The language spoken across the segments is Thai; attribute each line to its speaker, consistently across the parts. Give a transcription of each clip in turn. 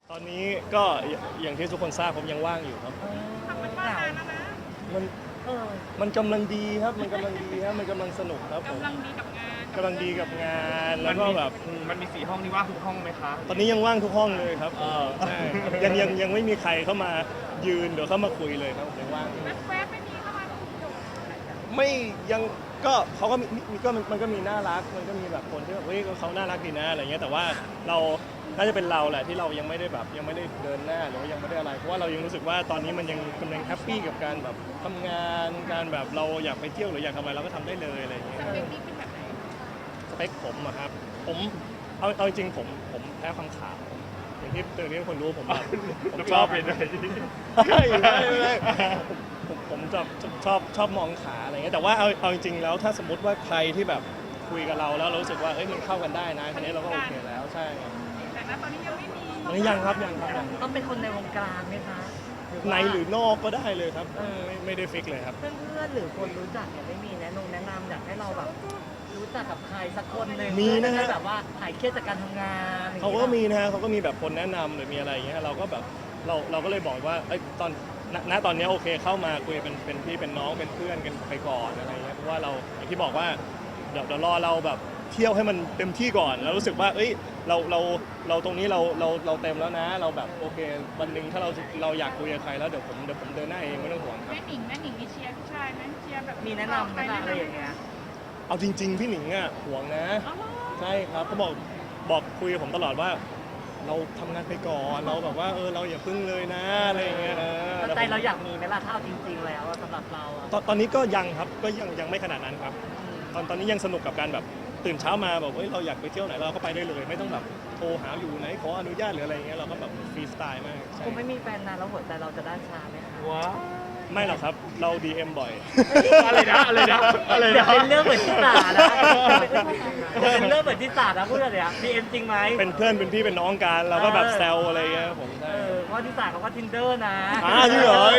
Speaker 1: ตอนนี้ก็อย่างที่ทุกคนทราบผมยังว่างอยู่ครับ
Speaker 2: ทำมันมานานแล้วนะ
Speaker 1: มันมันกำลังดีครับมันกำลังดีครับมันกำลังสนุกครับผม
Speaker 2: กำลังดีกับงาน
Speaker 1: กำลังดีกับงานแล้วก็แบบ
Speaker 3: มันมี4 ห้องนี่ว่างทุกห้องไหมคะ
Speaker 1: ตอนนี้ยังว่างทุกห้องเลยครับใช่ยังไม่มีใครเข้ามายืนหรือเข้ามาคุยเลยครับยังว่างอยู่
Speaker 2: แวบๆไม่มีเข้ามา
Speaker 1: ไม่ยังก็เขาก็มีก็มันก็มีน่ารักมันก็มีแบบคนที่แบบเฮ้ยเขาน่ารักดีนะอะไรเงี้ยแต่ว่าเราน่าจะเป็นเราแหละที่เรายังไม่ได้แบบยังไม่ได้เดินหน้าหรือว่ายังไม่ได้อะไรเพราะว่าเรายังรู้สึกว่าตอนนี้มันยังกำลังแฮปปี้กับการแบบทำงานการแบบเราอยากไปเที่ยวหรืออยากทำอะไรเราก็ทำได้เลยอะไรเงี้ย
Speaker 2: สเปคนี้เป็นแบบไหน
Speaker 1: สเปคผมอะครับผมเอาจริงผมแพ้ความขาวอย่างที่ทุกคนรู้ผมแบบผมชอบ
Speaker 3: เป็นอะไร
Speaker 1: ไม่ผมชอบมองขาอะไรเงี้ยแต่ว่าเอาจริงแล้วถ้าสมมติว่าใครที่แบบคุยกับเราแล้วเรารู้สึกว่าเอ้ยมันเข้ากันได้นะทีนี้เราก็โอเคแล้วใช่
Speaker 2: แต่ณตอนนี้ยังไม่มี
Speaker 1: ตอนนี้ยังครับ
Speaker 4: ต้องเป็นคนในวงการไหมคะ
Speaker 1: ในหรือนอกก็ได้เลยครับไม่ได้ฟิกเลยครับ
Speaker 4: เพื่อนๆหรือคนรู้จักเนี่ยไม่มีแนะนำอยากให้เราแบบรู้จักกับใครสักคนหนึ่ง
Speaker 1: มีนะฮะ
Speaker 4: แบบว่าหายเครียดจากการทำงาน
Speaker 1: เขาก็มีนะฮะเขาก็มีแบบคนแนะนำหรือมีอะไรอย่างเงี้ยเราก็แบบเราก็เลยบอกว่าตอนนี้โอเคเข้ามาคุยเป็นพี่เป็นน้องเป็นเพื่อนกันไปก่อนอะไรเงี้ยเพราะว่าเราอย่างที่บอกว่าเดี๋ยวรอเราแบบเที่ยวให้มันเต็มที่ก่อนแล้วรู้สึกว่าเอ้ยเราตรงนี้เราเต็มแล้วนะเราแบบโอเควันหนึ่งถ้าเราอยากคุยกับใครแล้วเดี๋ยวผมเดินหน้าเองไม่ต้องห่วงครับ
Speaker 2: แม่หนิงมีเชียร์ผู้ชายไหมเชียร์แบบ
Speaker 4: มีแนะนำไหมอะไรอย่างเงี้ย
Speaker 1: เอาจริงๆพี่หนิงอ่ะห่วงนะใช่ครับเขาบอกคุยกับผมตลอดว่าเราทำงานไปก่อนเราแบบว่าเราอย่าพึ่งเลยนะอะไรอย่างเงี้ย
Speaker 4: ใจเราอยากมีไหมล่ะถ้าเอาจริงๆแล้วสำหรับเรา
Speaker 1: ตอนนี้ก็ยังครับก็ยังไม่ขนาดนั้นครับตอนนี้ยังสนุกกับการแบบตื่นเช้ามาแบบเราอยากไปเที่ยวไหนเราก็ไปได้เลยไม่ต้องแบบโทรหาอยู่ไหนขออนุญาตหรืออะไรอย่างเงี้ยเราก็แบบฟรีสไตล์มาก
Speaker 4: คุณไม่มีแฟนนานแล้วหัวใจเราจะด้านชาไหมคะ
Speaker 1: ว้าไม่หรอกครับเรา DM บ่อย
Speaker 3: อะไรนะ
Speaker 4: เป็นเรื่องเหมือนที่ศาลนะเป็นเรื่องเหมือนที่ศาลนะพูดอะไรอ่ะ DM จริงไหม
Speaker 1: เป็นเพื่อนเป็นพี่เป็นน้องกันเราก็แบบแซวอะไรเงี้ยผมใช่
Speaker 4: เพราะที่ศาลเขาก็ Tinder นะ
Speaker 1: จริงเหรอ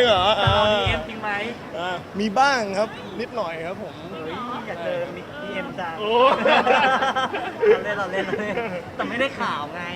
Speaker 4: DM จริงไหม
Speaker 1: มีบ้างครับนิดหน่อยครับผม
Speaker 4: อยากเจอDM จังเราเล่นแต่ไม่ได้ข่าวไง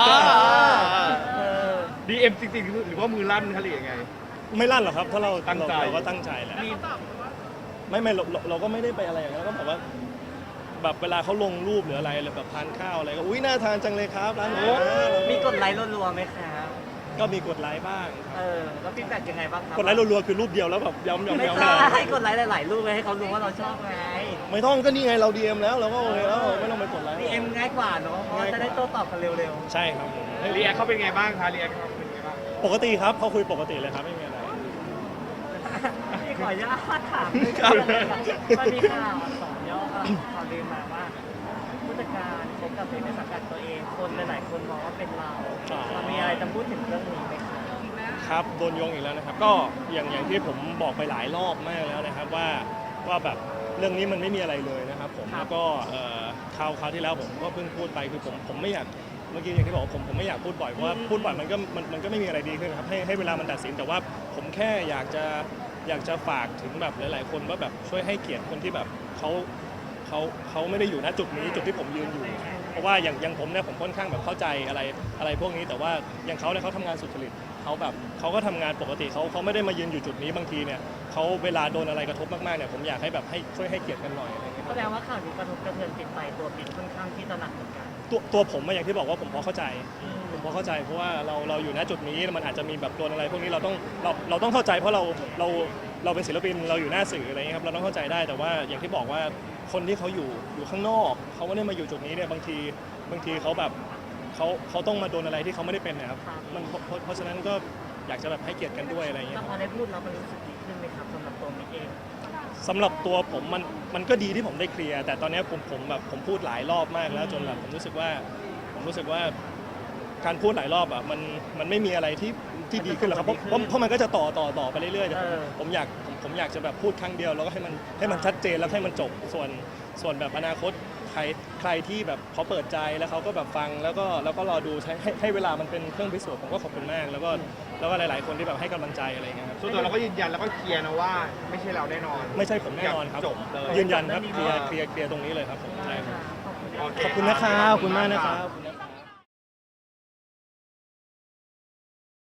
Speaker 3: DM จริงๆหรือว่ามือลั่นคะหรือยังไง
Speaker 1: ไม่ลั่นหรอกครับถ้าเรา
Speaker 3: ตั้งใจ
Speaker 1: เราก็ตั้งใจแหละไม่เราก็ไม่ได้ไปอะไรอย่างนั้นก็แบบว่าแบบเวลาเขาลงรูปหรืออะไรหรือแบบทานข้าวอะไรก็อุ้ยน่าทานจังเลยครับร้านนี้
Speaker 4: มีกดไลค์รัวๆไหมครับ
Speaker 1: ก็มีกดไลค์บ้าง
Speaker 4: แล้วฟีดแบ็กยังไงบ้างครับ
Speaker 1: กดไลค์รัวๆคือรูปเดียวแล้วแบบย้ำ
Speaker 4: ไม่ใช่ให้กดไลค์หลายๆรูปให้เขารู้ว่าเราชอบไง
Speaker 1: ไม่ต้องก็นี่ไงเรา DM แล้วเราก็โอเคแล้วไม่ต้องไปกดไลค์
Speaker 4: DM ง่ายกว่าเนาะเพราะจะได้โต้ตอบกันเร็ว
Speaker 1: ๆใช่ครับผม
Speaker 3: รีแอคเขาเป็นไงบ้างคะรีแอคเขาเป็นไงบ้าง
Speaker 1: ปกติครับเขาคุยปกติเลยครับไม่มีอะไร
Speaker 4: ขออนุญาตถามมันมีข่าว2 ย่อข่าวลือมาว่าผู้จัดการคบกับเด็กในสังกัดตัวเองคนหลายๆคนมองว่าเป็นเรามีอะไรจะพูดถึงเรื่องนี้ไหม
Speaker 1: ครับโดนโยงอีกแล้วนะครับก็อย่างที่ผมบอกไปหลายรอบมากแล้วนะครับว่าแบบเรื่องนี้มันไม่มีอะไรเลยนะครับผมแล้วก็คราวที่แล้วผมก็เพิ่งพูดไปคือผมไม่อยากเมื่อกี้อย่างที่บอกผมไม่อยากพูดบ่อยเพราะว่าพูดบ่อยมันก็ไม่มีอะไรดีขึ้นครับให้เวลามันตัดสินแต่ว่าผมแค่อยากจะฝากถึงแบบหลายๆคนว่าแบบช่วยให้เกียรติคนที่แบบเขาไม่ได้อยู่ณจุดนี้จุดที่ผมยืนอยู่เพราะว่าอย่างผมเนี่ยผมค่อนข้างแบบเข้าใจอะไรพวกนี้แต่ว่าอย่างเขาเนี่ยเขาทำงานสุจริตเขาก็ทำงานปกติเขาไม่ได้มายืนอยู่จุดนี้บางทีเนี่ยเขาเวลาโดนอะไรกระทบมากๆเนี่ยผมอยากให้แบบให้ช่วยให้เกียรติกันหน่อยอะไรเงี้ย
Speaker 4: แสดงว่าข่าวนี้กระทบกระเทือนจิตใจตัวปิ๊กค่อนข้างที่จะหนักเหมือนกัน
Speaker 1: ตัวผมอย่างที่บอกว่าผมพอเข้าใจเพราะว่าเราอยู่ณจุดนี้มันอาจจะมีแบบโดนอะไรพวกนี้เราต้องเข้าใจเพราะเราเป็นศิลปินเราอยู่หน้าสื่ออะไรเงี้ยครับเราต้องเข้าใจได้แต่ว่าอย่างที่บอกว่าคนที่เขาอยู่ข้างนอกเขาไม่ได้มาอยู่จุดนี้เนี่ยบางทีเขาแบบเขาต้องมาโดนอะไรที่เขาไม่ได้เป็นนะครับมันเพราะฉะนั้นก็อยากจะแบบให้เกียรติกันด้วยอะไรเงี้ย
Speaker 4: พอได้พูดแล้วมันรู้สึกดีขึ้นไหมครับสำหรับตัวมิกเอง
Speaker 1: สำหรับตัวผมมันก็ดีที่ผมได้เคลียร์แต่ตอนนี้ผมพูดหลายรอบมากแล้วจนแบบผมรู้สึกว่าการพูดหลายรอบอ่ะมันไม่มีอะไรที่ดีขึ้นหรอกครับเพราะมันก็จะต่อไปเรื่อยๆผมอยากจะแบบพูดครั้งเดียวแล้วก็ให้มันชัดเจนแล้วให้มันจบส่วนแบบอนาคตใครที่แบบเขาเปิดใจแล้วเขาก็แบบฟังแล้วก็รอดูให้เวลามันเป็นเครื่องพิสูจน์ผมก็ขอบคุณมากแล้วก็หลายๆคนที่แบบให้กำลังใจอะไรเงี้ยครับ
Speaker 3: ส่วนตัวเราก็ยืนยันแล้วก็เคลียร์นะว่าไม่ใช่เราแน่นอน
Speaker 1: ไม่ใช่ผมแน่นอนครับยืนยันครับเคลียร์ตรงนี้เลยครับผมใช่ครับขอบคุณนะครับขอบคุณมากนะครับ